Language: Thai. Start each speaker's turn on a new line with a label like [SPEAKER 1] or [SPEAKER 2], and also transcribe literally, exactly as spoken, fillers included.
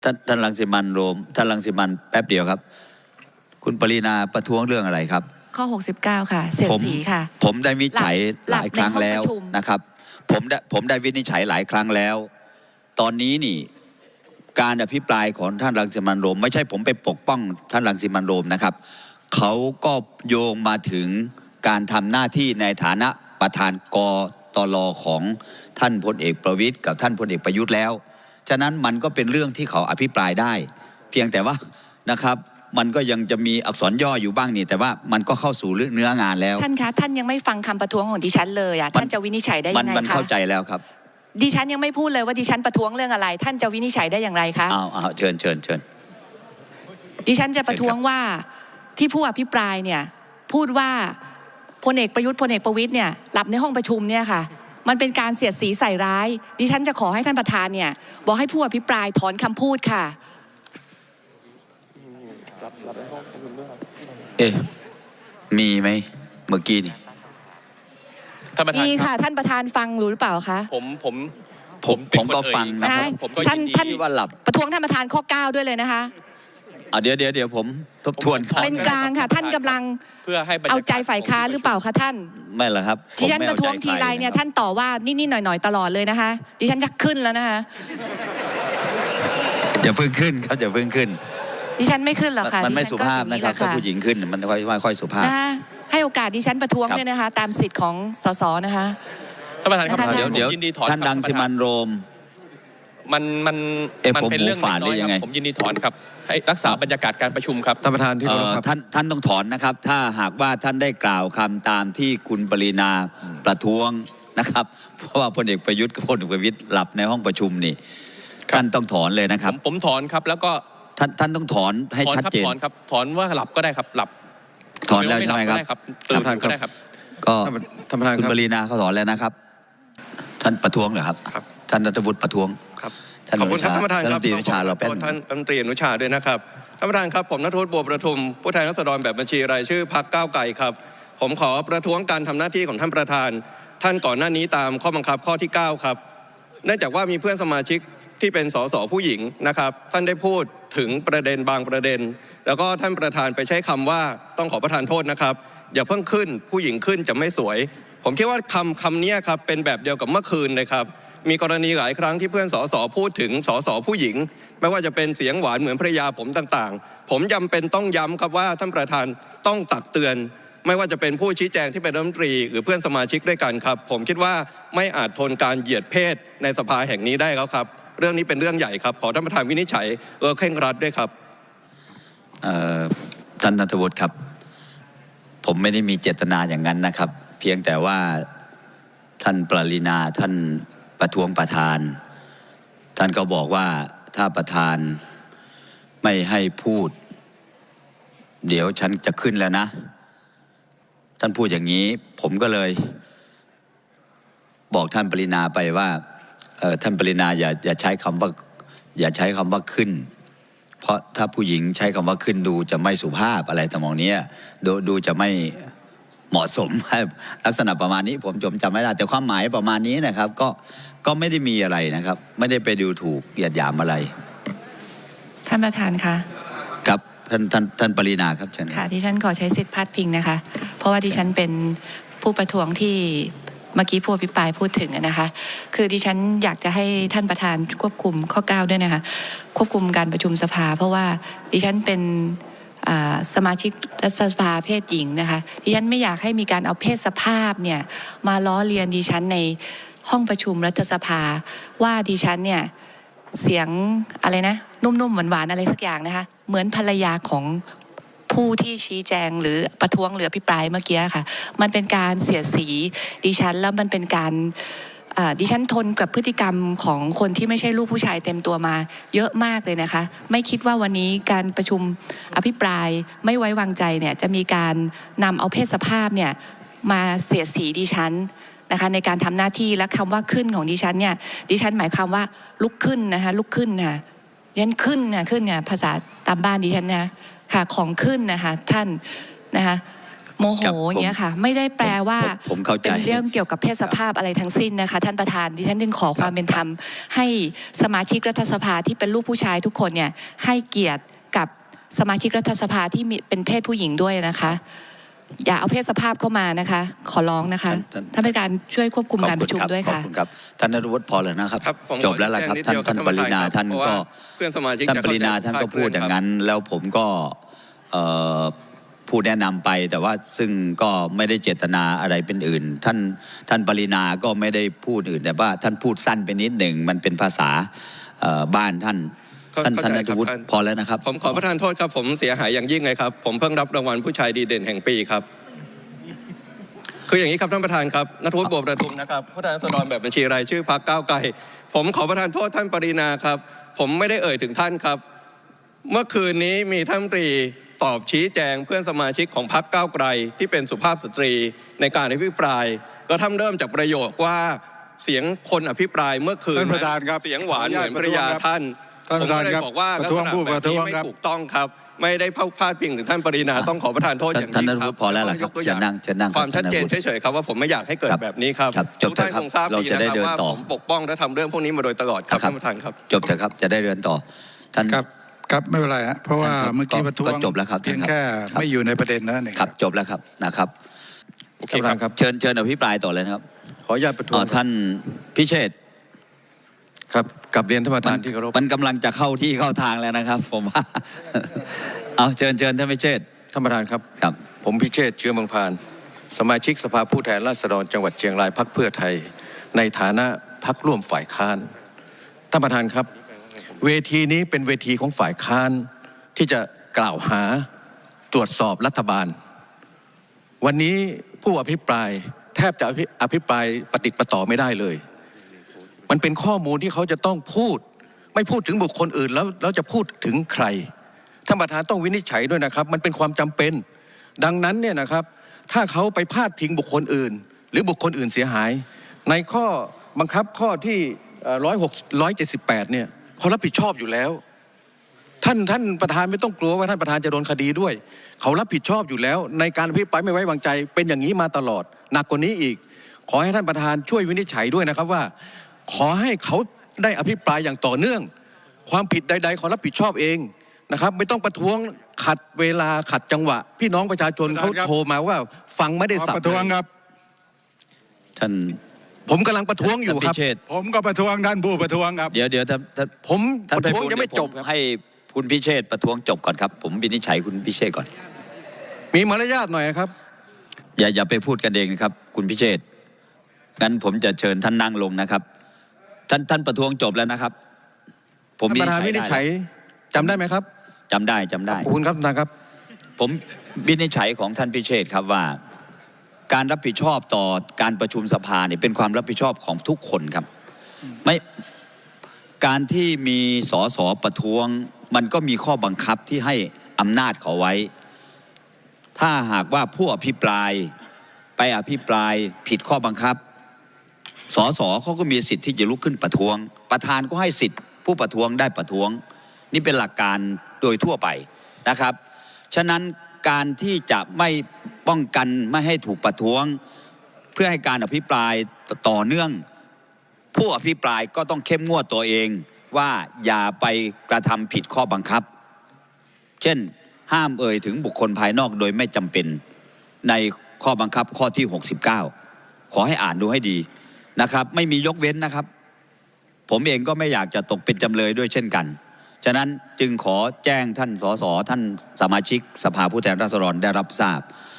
[SPEAKER 1] ท่านท่านรังสิมันโรมท่านรังสิมันแป๊บเดียวครับคุณปรินาประท้วงเรื่องอะไรครับ
[SPEAKER 2] ข้อหกสิบเก้าค่ะเสียดสีค่ะ
[SPEAKER 1] ผมได้วินิจฉัยหลายครั้งแล้วนะครับผมได้ผมได้วินิจฉัยหลายครั้งแล้วตอนนี้นี่การอภิปรายของท่านรังสิมันโรมไม่ใช่ผมไปปกป้องท่านรังสิมันโรมนะครับเขาก็โยงมาถึงการทำหน้าที่ในฐานะประธานกตลของท่านพลเอกประวิตรกับท่านพลเอกประยุทธ์แล้วฉะนั้นมันก็เป็นเรื่องที่เขาอภิปรายได้เพียงแต่ว่านะครับมันก็ยังจะมีอักษรย่ออยู่บ้างนี่แต่ว่ามันก็เข้าสู่เนื้องานแล้ว
[SPEAKER 2] ท่านคะท่านยังไม่ฟังคำประท้วงของดิฉันเลยอ่ะท่านจะวินิจฉัยได้ยังไงคะ
[SPEAKER 1] มันเข้าใจแล้วครับ
[SPEAKER 2] ดิฉันยังไม่พูดเลยว่าดิฉันประท้วงเรื่องอะไรท่านจะวินิจฉัยได้อย่างไรคะ
[SPEAKER 1] อ้าวอ้าวเชิญเชิญเชิญ
[SPEAKER 2] ดิฉันจะประท้วงว่าที่ผู้อภิปรายเนี่ยพูดว่าพลเอกประยุทธ์พลเอกประวิตรเนี่ยหลับในห้องประชุมเนี่ยค่ะมันเป็นการเสียดสีใส่ร้ายดิฉันจะขอให้ท่านประธานเนี่ยบอกให้ผู้อภิปรายถอนคำพูดค่ะ
[SPEAKER 1] เอ๊ะมีไหมเมื่อกี้นี่
[SPEAKER 2] มีค่ะท่านประธานฟังรู้หรือเปล่าคะ
[SPEAKER 3] ผมผม
[SPEAKER 1] ผมผมก็ฟังนะ
[SPEAKER 2] ท่านท่านว่าหลับประท้วงท่านประธานข้อเก้าด้วยเลยนะคะ
[SPEAKER 1] อ่ะเดี๋ยวเดี๋ยวเดี๋ยวผมทบทวน
[SPEAKER 2] เป็นกลางค่ะท่านกำลังเพื่อให้เอาใจฝ่ายค้านหรือเปล่าคะท่าน
[SPEAKER 1] ไม่หรอกครับ
[SPEAKER 2] ดิฉันประท้วงทีไรเนี่ยท่านต่อว่านิดๆหน่อยๆตลอดเลยนะคะดิฉันจะขึ้นแล้วนะคะ
[SPEAKER 1] อย่าเพิ่งขึ้นครับอย่าเพิ่งขึ้น
[SPEAKER 2] ดิฉันไม่ขึ้นหรอกค่ะ
[SPEAKER 1] มันไม่สุภาพนะครับถ้าผู้หญิงขึ้นมันค่อยค่อยสุภาพ
[SPEAKER 2] นะให้โอกาสดิฉันประท้วงด้วยนะคะตามสิทธิ์ของสสนะคะ
[SPEAKER 3] ท่านประธานครับ
[SPEAKER 1] เดี๋ยวเดี๋ยวท่านรังสิมันโรม
[SPEAKER 3] มันมัน
[SPEAKER 1] มันเป็นเรื่อง
[SPEAKER 3] น้อยๆผมยินดีถอนครับให้รักษาบรรยากาศการประชุมครับ
[SPEAKER 1] ท่านประธานที่เคารพครับท่านท่านต้องถอนนะครับถ้าหากว่าท่านได้กล่าวคำตามที่คุณปรินาประท้วงนะครับเพราะว่าพลเอกประยุทธ์กับพลเอกประวิตรหลับในห้องประชุมนี่ท่านต้องถอนเลยนะครับ
[SPEAKER 3] ผมถอนครับแล้วก็
[SPEAKER 1] ท่านท่านต้องถอนให้ชัดเจน
[SPEAKER 3] ถอนครับถอนว่าหลับก็ได้ครับหลับ
[SPEAKER 1] ถอนแล้วใช่ไหมครับ
[SPEAKER 3] ตื่นก็ได้ครับ
[SPEAKER 1] ก็ท่านประธานคุณปรินาเขาถอนแล้วนะครับท่านประท้วงเหรอครับท่านรัฐวุฒิประท้วง
[SPEAKER 4] ครับขอบคุณครับท่านประธานครับ
[SPEAKER 1] ท่านรัฐมนตรีอนุชาเราเป็น
[SPEAKER 4] ท่านรัฐมนตรีอนุชาด้วยนะครับท่านประธานครับผมณัฐวุฒิบัวประทุมผู้แทนราษฎรแบบบัญชีรายชื่อพรรคก้าวไกลครับผมขอประท้วงการทำหน้าที่ของท่านประธานท่านก่อนหน้านี้ตามข้อบังคับข้อที่เก้าครับเนื่องจากว่ามีเพื่อนสมาชิกที่เป็นสสผู้หญิงนะครับท่านได้พูดถึงประเด็นบางประเด็นแล้วก็ท่านประธานไปใช้คำว่าต้องขอประทานโทษนะครับอย่าเพิ่งขึ้นผู้หญิงขึ้นจะไม่สวยผมคิดว่าคำคำนี้ครับเป็นแบบเดียวกับเมื่อคืนเลยครับมีกรณีหลายครั้งที่เพื่อนสสพูดถึงสสผู้หญิงไม่ว่าจะเป็นเสียงหวานเหมือนภรรยาผมต่างๆผมจำเป็นต้องย้ำครับว่าท่านประธานต้องตักเตือนไม่ว่าจะเป็นผู้ชี้แจงที่เป็นรัฐมนตรีหรือเพื่อนสมาชิกด้วยกันครับผมคิดว่าไม่อาจทนการเหยียดเพศในสภาแห่งนี้ได้แล้วครับเรื่องนี้เป็นเรื่องใหญ่ครับขอท่านประธานวินิจฉัยเออเคร่งรัดด้วยครับ
[SPEAKER 1] ท่านณัฐวุฒิครับผมไม่ได้มีเจตนาอย่างนั้นนะครับเพียงแต่ว่าท่านปรินาท่านประท้วงประธานท่านก็บอกว่าถ้าประธานไม่ให้พูดเดี๋ยวฉันจะขึ้นแล้วนะท่านพูดอย่างนี้ผมก็เลยบอกท่านปรินาไปว่าเออท่านปรินาอย่าอย่าใช้คำว่าอย่าใช้คำว่าขึ้นเพราะถ้าผู้หญิงใช้คำว่าขึ้นดูจะไม่สุภาพอะไรทำนองนี้ดูดูจะไม่เหมาะสมลักษณะประมาณนี้ผมจำจำไม่ได้แต่ความหมายประมาณนี้นะครับก็ก็ไม่ได้มีอะไรนะครับไม่ได้ไปดูถูกเหยียดหยามอะไร
[SPEAKER 2] ท่านประธานคะ
[SPEAKER 1] ครับท่านท่านท่านปรินาครับเชิญ
[SPEAKER 2] ค่ะที่ฉันขอใช้สิทธิ์พาดพิงนะคะเพราะว่าที่ฉันเป็นผู้ประท้วงที่เมื่อกี้ผู้อภิปรายพูดถึงนะคะคือดิฉันอยากจะให้ท่านประธานควบคุมข้อเก้าด้วยนะคะควบคุมการประชุมสภาเพราะว่าดิฉันเป็นสมาชิกรัฐสภาเพศหญิงนะคะดิฉันไม่อยากให้มีการเอาเพศสภาพเนี่ยมาล้อเลียนดิฉันในห้องประชุมรัฐสภาว่าดิฉันเนี่ยเสียงอะไรนะนุ่มๆหวานๆอะไรสักอย่างนะคะเหมือนภรรยาของผู้ที่ชี้แจงหรือประท้วงหรืออภิปรายเมื่อกี้ค่ะมันเป็นการเสียดสีดิฉันแล้วมันเป็นการดิฉันทนกับพฤติกรรมของคนที่ไม่ใช่ลูกผู้ชายเต็มตัวมาเยอะมากเลยนะคะไม่คิดว่าวันนี้การประชุมอภิปรายไม่ไว้วางใจเนี่ยจะมีการนำเอาเพศสภาพเนี่ยมาเสียดสีดิฉันนะคะในการทำหน้าที่และคำว่าขึ้นของดิฉันเนี่ยดิฉันหมายความว่าลุกขึ้นนะคะลุกขึ้นค่ะดิฉันขึ้นเนี่ยขึ้นเนี่ยภาษาตามบ้านดิฉันนะค่ะของขึ้นนะคะท่านนะคะโมโหอย่างเงี้ยค่ะไม่ได้แปลว่า
[SPEAKER 1] ผมผมเข้าใจ
[SPEAKER 2] เป็นเรื่องเกี่ยวกับเพศสภาพอะไรทั้งสิ้นนะคะท่านประธานดิฉันจึงขอความเป็นธรรมให้สมาชิกรัฐสภาที่เป็นลูกผู้ชายทุกคนเนี่ยให้เกียรติกับสมาชิกรัฐสภาที่มีเป็นเพศผู้หญิงด้วยนะคะอย่าเอาเพศสภาพเข้ามานะคะขอร้องนะคะท่านประธานช่วยควบคุมการประชุมด้วยค่ะ
[SPEAKER 1] ขอบคุณครับท่านนฤวุฒิพอแล้วนะครับ
[SPEAKER 4] ครับผม
[SPEAKER 1] จบแล้วล่ะครับ
[SPEAKER 4] ขอ
[SPEAKER 1] ท่าน
[SPEAKER 4] แจ้งนิดเดียว
[SPEAKER 1] ท่านปรินา
[SPEAKER 4] ครับ
[SPEAKER 1] ท่าน
[SPEAKER 4] เพราะ
[SPEAKER 1] ก็
[SPEAKER 4] ว่าเพื่อนสมาชิก
[SPEAKER 1] ท่าน
[SPEAKER 4] จะ
[SPEAKER 1] ปรินา
[SPEAKER 4] เข้าใจ
[SPEAKER 1] ท่านก็
[SPEAKER 4] คลาดเคลื่
[SPEAKER 1] พู
[SPEAKER 4] อ
[SPEAKER 1] ด
[SPEAKER 4] น
[SPEAKER 1] อย่าง
[SPEAKER 4] ครับ
[SPEAKER 1] นั้น แล้วผมก็เอ่อพูดแนะนำไป แต่ว่าซึ่งก็ไม่ได้เจตนาอะไรเป็นอื่น ท่านท่านปรินาก็ไม่ได้พูดอื่นแต่ว่าท่านพูดสั้นไปนิดหนึ่งมันเป็นภาษาเอ่อบ้านท่านท่านท่านนฤวุฒิพอแล้วนะครับ
[SPEAKER 4] ผมขอประทานโทษครับผมเสียหายอย่างยิ่งเลยครับผมเพิ่งรับรางวัลผู้ชายดีเด่นแห่งปีครับคืออย่างนี้ครับท่านประธานครับณัฐวุฒิ บัวประทุมนะครับผู้แทนราษฎรแบบบัญชีรายชื่อพรรคก้าวไกลผมขอประทานโทษท่านปรินาครับผมไม่ได้เอ่ยถึงท่านครับเมื่อคืนนี้มีท่านรัฐมนตรีตอบชี้แจงเพื่อนสมาชิกของพรรคก้าวไกลที่เป็นสุภาพสตรีในการอภิปรายก็ทำเริ่มจากประโยคว่าเสียงคนอภิปรายเมื่อคืน
[SPEAKER 5] ท่านประธานครับ
[SPEAKER 4] เสียงหวานเหมือนภรรยาท่าน
[SPEAKER 5] ท่าน
[SPEAKER 4] ผ
[SPEAKER 5] ป
[SPEAKER 4] ม
[SPEAKER 5] ระธาน
[SPEAKER 4] ก็เลย
[SPEAKER 5] ครับ
[SPEAKER 4] บอกว่า
[SPEAKER 5] ป
[SPEAKER 4] ลั
[SPEAKER 5] ระ
[SPEAKER 4] ก
[SPEAKER 5] ท้
[SPEAKER 4] ษ
[SPEAKER 5] วง
[SPEAKER 4] ณะ
[SPEAKER 5] ผู้
[SPEAKER 4] แบ
[SPEAKER 5] ป
[SPEAKER 4] บ
[SPEAKER 5] ระท้
[SPEAKER 4] นี้
[SPEAKER 5] วง
[SPEAKER 4] ไม่
[SPEAKER 5] ครับ
[SPEAKER 4] ถูกต้องครับไม่ได้พาดพิงถึงท่านปรินาต้องขอประทานโทษอย่าง
[SPEAKER 1] ท่าน
[SPEAKER 4] ยิ่
[SPEAKER 1] น
[SPEAKER 4] ง
[SPEAKER 1] ฤ
[SPEAKER 4] ค
[SPEAKER 1] วุ
[SPEAKER 4] รับ
[SPEAKER 1] ฒิพอแล้วล่ะครับ
[SPEAKER 4] ยกตัวอ
[SPEAKER 1] เชิ
[SPEAKER 4] ย่า
[SPEAKER 1] ญ
[SPEAKER 4] ง
[SPEAKER 1] นั่งเชิญนั่ง
[SPEAKER 4] ความชัดเจน
[SPEAKER 1] ท่านนฤวุฒิ
[SPEAKER 4] เฉยๆครับว่าผมไม่อยากให้เกิด
[SPEAKER 1] ครับ
[SPEAKER 4] แบบนี้ครับ
[SPEAKER 1] ครับจบ
[SPEAKER 4] ทุกท่าน
[SPEAKER 1] เถอะครับ
[SPEAKER 4] คงทราบ
[SPEAKER 1] เรา
[SPEAKER 4] ดี
[SPEAKER 1] จะได้
[SPEAKER 4] นะครับ
[SPEAKER 1] เดิน
[SPEAKER 4] ว่า
[SPEAKER 1] ต่อ
[SPEAKER 4] ผมปกป้องและทำเรื่องพวกนี้มาโดยตลอดครับ
[SPEAKER 1] ครับ
[SPEAKER 4] ท่านประธานครับ
[SPEAKER 1] จบเถอะครับจะได้เดินต่อท่าน
[SPEAKER 5] ครับครับไม่เป็นไรฮะเพราะว่า
[SPEAKER 1] ท่านครับ
[SPEAKER 5] เมื่อกี้
[SPEAKER 1] ก็
[SPEAKER 5] ประท้วง
[SPEAKER 1] ก็จบแล้วครับ
[SPEAKER 5] เพียง
[SPEAKER 1] ท่านครับ
[SPEAKER 5] แค่
[SPEAKER 1] ครับ
[SPEAKER 5] ไม่อยู่ในประเด็นนั้นเอง
[SPEAKER 1] ครับจบแล้วครับนะครับ
[SPEAKER 3] โอเคครับ
[SPEAKER 1] เชิญเชิญอภิปรายต่อเลยนะครับ
[SPEAKER 3] ขออนุญาตประท้ว
[SPEAKER 1] อ๋
[SPEAKER 3] ง
[SPEAKER 1] อท่านพิเชษฐ์
[SPEAKER 3] ครับกับเรียนท่านประ
[SPEAKER 1] มั
[SPEAKER 3] ธานที่เคารพ
[SPEAKER 1] มันกำลังจะเข้าที่เข้าทางแล้วนะครับ ผมว่า เอาเชิญเชิญท่านพิเชษฐ์
[SPEAKER 3] ท่านประธานครับ
[SPEAKER 1] ครับ
[SPEAKER 3] ผมพิเชษฐ์เชื้อเมืองพานสมาชิกสภาผู้แทนราษฎรจังหวัดเชียงรายพรรคเพื่อไทย ในฐานะพรรคร่วมฝ่ายค้านท่านประธานครับ เวทีนี้เป็นเวทีของฝ่ายค้านที่จะกล่าวหาตรวจสอบรัฐบาล วันนี้ผู้อภิปรายแทบจะอภิปรายปฏิดประต่อไม่ได้เลย มันเป็นข้อมูลที่เขาจะต้องพูดไม่พูดถึงบุคคลอื่นแล้วแล้วจะพูดถึงใครท่านประธานต้องวินิจฉัยด้วยนะครับมันเป็นความจำเป็นดังนั้นเนี่ยนะครับถ้าเขาไปพาดพิงบุคคลอื่น หรือบุคคลอื่นเสียหายในข้อบังคับข้อที่ร้อยหกร้อยเจ็ดสิบแปดเนี่ยเขารับผิดชอบอยู่แล้วท่านท่านประธานไม่ต้องกลัวว่าท่านประธานจะโดนคดีด้วยเขารับผิดชอบอยู่แล้วในการอภิปรายไม่ไว้วางใจเป็นอย่างนี้มาตลอดหนักกว่านี้อีกขอให้ท่านประธานช่วยวินิจฉัยด้วยนะครับว่าขอให้เขาได้อภิปรายอย่างต่อเนื่องความผิดใดๆเขารับผิดชอบเองนะครับไม่ต้องประท้วงขัดเวลาขัดจังหวะพี่น้องประชาชนเขาโทรมาว่าฟังไม่ได้
[SPEAKER 5] ขอ
[SPEAKER 3] สับ
[SPEAKER 5] ประท้วงครับ
[SPEAKER 1] ท่าน
[SPEAKER 3] ผมกำลังประท้วงอยู่ครับ
[SPEAKER 1] ท่านพิเชษฐ์
[SPEAKER 5] ผมก็ประท้วงท่านผู้ประท้วงครับ
[SPEAKER 1] เดี๋ยวเดี๋ยวท่านท่าน
[SPEAKER 3] ผม
[SPEAKER 1] ท่าน
[SPEAKER 3] ประท้วง
[SPEAKER 1] บูลย์
[SPEAKER 3] ยังไม่
[SPEAKER 1] เดี๋ว
[SPEAKER 3] จบ
[SPEAKER 1] ผ
[SPEAKER 3] ครับ
[SPEAKER 1] ให้คุณพิเชษฐ์ประท้วงจบก่อนครับ ผมวินิจฉัยคุณพิเชษฐ์ก่อน
[SPEAKER 3] มีมารยาทหน่อยนะครับ
[SPEAKER 1] อย่าอย่าไปพูดกันเองนะครับ คุณพิเชษฐ์งั้นผมจะเชิญท่านนั่งลงนะครับ ท่านท่านประท้วงจบแล้วนะครับ ผม
[SPEAKER 3] ท่านประธานวินิจฉัยจำได้ไหมครับ
[SPEAKER 1] จำได้จำได้
[SPEAKER 3] ขอบคุณครับท่านครับ
[SPEAKER 1] ผมวินิจฉัยของท่านพิเชษฐ์ครับว่า การรับผิดชอบต่อการประชุมสภาเนี่ยเป็นความรับผิดชอบของทุกคนครับไม่การที่มีสสประท้วงมันก็มีข้อบังคับที่ให้อำนาจเขาไว้ ถ้าหากว่าผู้อภิปรายไปอภิปรายผิดข้อบังคับสสเขาก็มีสิทธิ์ที่จะลุกขึ้นประท้วง ประธานก็ให้สิทธิ์ผู้ประท้วงได้ประท้วงนี่เป็นหลักการโดยทั่วไปนะครับฉะนั้นการที่จะไม่ป้องกันไม่ให้ถูกประท้วงเพื่อให้การอภิปรายต่อเนื่องผู้อภิปรายก็ต้องเข้มงวดตัวเองว่าอย่าไปกระทำผิดข้อบังคับเช่นห้ามเอ่ยถึงบุคคลภายนอกโดยไม่จำเป็นในข้อบังคับข้อที่หกสิบเก้าขอให้อ่านดูให้ดีนะครับไม่มียกเว้นนะครับผมเองก็ไม่อยากจะตกเป็นจำเลยด้วยเช่นกันฉะนั้นจึงขอแจ้งท่านสสท่านสมาชิกสภาผู้แทนราษฎรได้รับทราบ